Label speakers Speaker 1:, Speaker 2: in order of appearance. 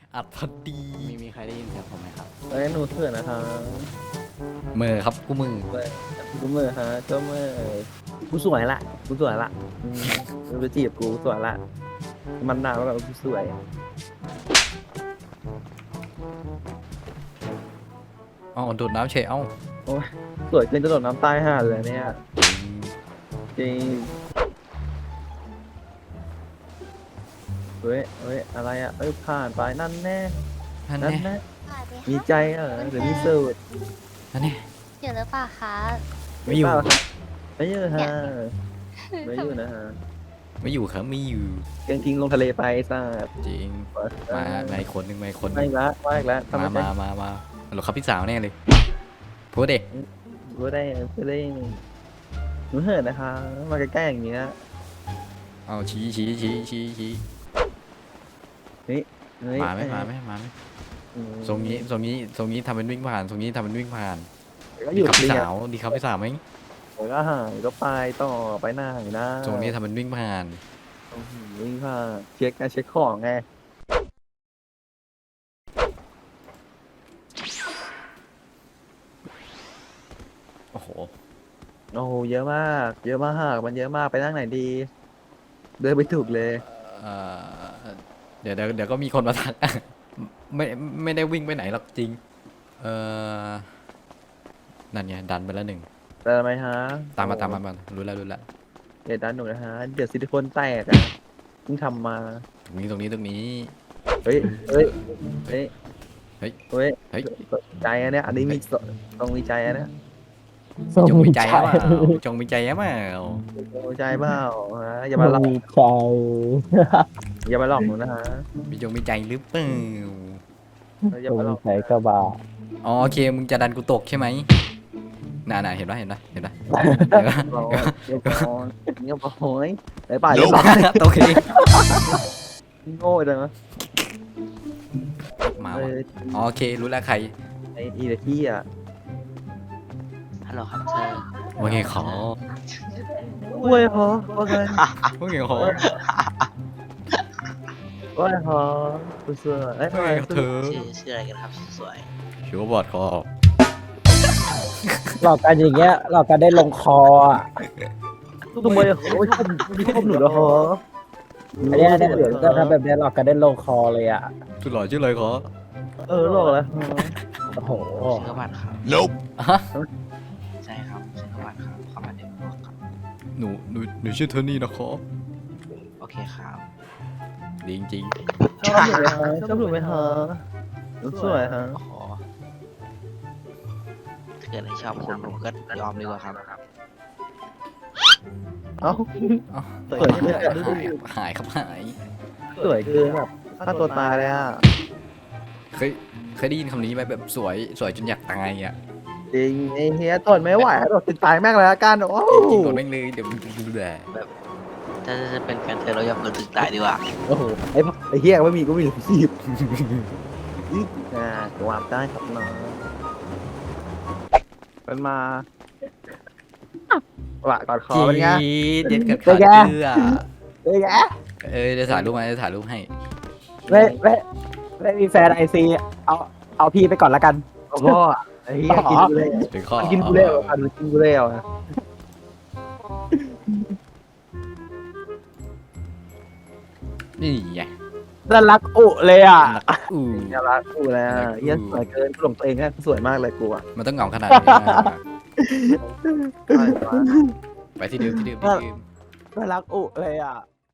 Speaker 1: อัดพอดี
Speaker 2: มีใครได้ยินเสียงผมไหมครับ
Speaker 3: เอ้ยหนูเถื่อนนะคะ
Speaker 1: มือครับกูมือ
Speaker 3: กูมือฮะก็มือกูสวยละกูสวยละมึงไปจีบกูสวยละมันหนาวแล้วกูสวย
Speaker 1: เอ้าโดดน้ำเฉยเอ้า
Speaker 3: โอ้ยสวยเกินจะโดดน้ำตายห่าเลยเนี่ยจริงเฮ้ยเฮ้ยอะไรอ่ะเอ้ยผ่านไปนั่นแน่
Speaker 1: นั่น
Speaker 3: นั่น
Speaker 1: แน่
Speaker 3: แน่
Speaker 4: สวัสดี
Speaker 3: มี
Speaker 4: ค่ะ
Speaker 3: ใจหรือมีสูตร
Speaker 1: นั่นแน่
Speaker 4: อยู่หรือเปล่าคะ
Speaker 1: ไม่อยู่
Speaker 3: เปล่าครับไม่อยู่ฮะไม่อยู่นะฮะ
Speaker 1: ไม่อยู่ครับไม่อยู่
Speaker 3: เกงทิ้งลงทะเลไปซะ
Speaker 1: จริงมาอีกคนหนึ่งมาอีกคนห
Speaker 3: ไม่
Speaker 1: นึ่ง
Speaker 3: ละไม่ละทำไม
Speaker 1: มาหรอครับพี่สาวแน่เลยพูดเด็ก
Speaker 3: รู้ได้รู้ได้หนูเหินนะคะ มาใกล้ๆอย่างเงี้ย
Speaker 1: เอาชี้
Speaker 3: เฮ้ย
Speaker 1: มาไหมทรงนี้ทำเป็นวิ่งผ่านทรงนี้ทำเป็นวิ่งผ่าน
Speaker 3: ก็
Speaker 1: ดี
Speaker 3: อยู่
Speaker 1: ครับ
Speaker 3: เรี
Speaker 1: พี่
Speaker 3: ย
Speaker 1: สาวดีครับพี่สาวไหม
Speaker 3: ก็หายก็ไปต่อไปหน้าหน้า
Speaker 1: ทรงนี้ทำเป็นวิ่งผ่าน
Speaker 3: วิ่งผ่าเช็คไงเช็คของไง
Speaker 1: โอ้โห
Speaker 3: โอ้โหเยอะมากเยอะมากมันเยอะมากไปนั่งไหนดี เดินไปถูกเลย
Speaker 1: เอ่อเดี๋ยวก็มีคนมาทัก ไม่ได้วิ่งไปไหนหรอกจริงนั่นไงดันไปแล้วหนึ่ง
Speaker 3: เดินไหมฮะ
Speaker 1: ตามมารู้แล้ว
Speaker 3: เดี๋ยวดันหนูนะฮะเดี๋ยวซิลิโคนแตกอ่ะเพิ่งทำมา
Speaker 1: ตรงนี้
Speaker 3: เฮ้ยเฮ้ยเฮ้ย
Speaker 1: เฮ้ย
Speaker 3: เฮ้ย
Speaker 1: เฮ้ย
Speaker 3: ใจอันเนี้ยอันนี้มีต้องมีใจอันเนี้ย
Speaker 1: จงมีใจเปล่าจงมีใจเปล่า
Speaker 3: มีใจเปล่าฮะอย่ามาหลอก
Speaker 5: มีใจ
Speaker 3: อย่ามาหลอกหนูนะฮะ
Speaker 1: มีจงมีใจหรือเปล่า
Speaker 3: อย่า
Speaker 5: ตร
Speaker 3: มาหลอก
Speaker 5: งใจกระบา
Speaker 1: อ๋อโอเคมึงจะดันกูตกใช่ไหมน่ะเห็นปะ
Speaker 3: เราเดี๋ยวก่อนเงียบโอ้ยไปป่า
Speaker 1: ต
Speaker 3: เรียบ
Speaker 1: ก
Speaker 3: ร้อย
Speaker 1: ตกเอง
Speaker 3: โง่จังนะ
Speaker 1: มาว่ะอ๋อโอเครู้แล้วใคร
Speaker 3: ไอ้อีเดที่อ่ะ
Speaker 2: ฮัลโหลครับเธอ
Speaker 1: ว่าไงขอ
Speaker 3: กล้วยเหรอว่าไง
Speaker 1: ว่าไงขอ
Speaker 3: กล้วยเหรอกูเสือเอ้ย
Speaker 1: ว่าไงเธอ
Speaker 2: ชื่ออะไรกันครับสวย
Speaker 1: ชิวบอดคอ
Speaker 5: หลอกกันอย่างเงี้ยหลอกกันได้ลงคออ่ะ
Speaker 3: ทำไมโอ้ยมีข้อหนูเหรอ
Speaker 5: อันเนี้ยเนี่ยจะทำแบบเนี้ยหลอกกันได้ลงคอเลยอ่ะ
Speaker 1: สุดหล่อชื่ออะไรขอ
Speaker 3: หลอกแล้ว
Speaker 5: โอ้โห
Speaker 2: ชื่อกบัตรครับ
Speaker 1: Nope ฮะ
Speaker 2: ใช่ครับชื่อกบัตรครับขอมาเด็กบอกครับ
Speaker 1: หนูชื่อเทอร์นี่นะขอ
Speaker 2: โอเคครับ
Speaker 1: ดีจริง
Speaker 3: ชอบหนูไหมฮะชอบหนูไหมฮะหนูสวยฮะ
Speaker 2: โอ้โหถ้าเกิดให้ชอบคุณผมก็ยอมดีกว่าครับ
Speaker 3: เอ้า
Speaker 1: ๆอ๋อ
Speaker 3: สวยไม่ได้
Speaker 1: หายครับหาย
Speaker 3: สวยเกินแบบฆ่าตัวตายเลยอ่ะ
Speaker 1: เคยได้ยินคำนี้ไหมแบบสวยจนอยากตายอ่ะ
Speaker 3: จริงไอ้เฮียทนไม่ไหวแล้วติดตายแม่งเลยละกันโอ้
Speaker 1: จริงๆกดแม่งเลยเดี๋ยวมึงดูแล
Speaker 2: ถ้าจะเป็นแฟนเธอเรายอมเกินถึงตายดีกว่า
Speaker 3: โหไอ้เฮียไม่มีก็มีสีบวามได้ครับน้องเป็นมาว่ะกอดคอเป็นไง
Speaker 1: เด็ดกัดขาเชือ
Speaker 3: เอ้ยแก
Speaker 1: เดี๋ยวถ่ายรูปมาจะถ่ายรูปให้
Speaker 5: ไม่มีแฟนไอซีเอาพี่ไปก่อนละกัน
Speaker 3: พ่อไอ้เฮียกินกูเลย
Speaker 1: เป็นข้อ
Speaker 3: กินกูแล้วกินกูแล้วนะ
Speaker 1: นี่ไง
Speaker 5: น่ารักอุเลยอ่ะ
Speaker 1: อู้
Speaker 3: น่ารักกูแล้วเฮียสวยเกินกูหลงตัวเองแค่สวยมากเลยกูอ่ะ
Speaker 1: มันต้องเหงาขนาดนี้นะไปที่เดิม
Speaker 5: น่ารักอุเลยอ่ะ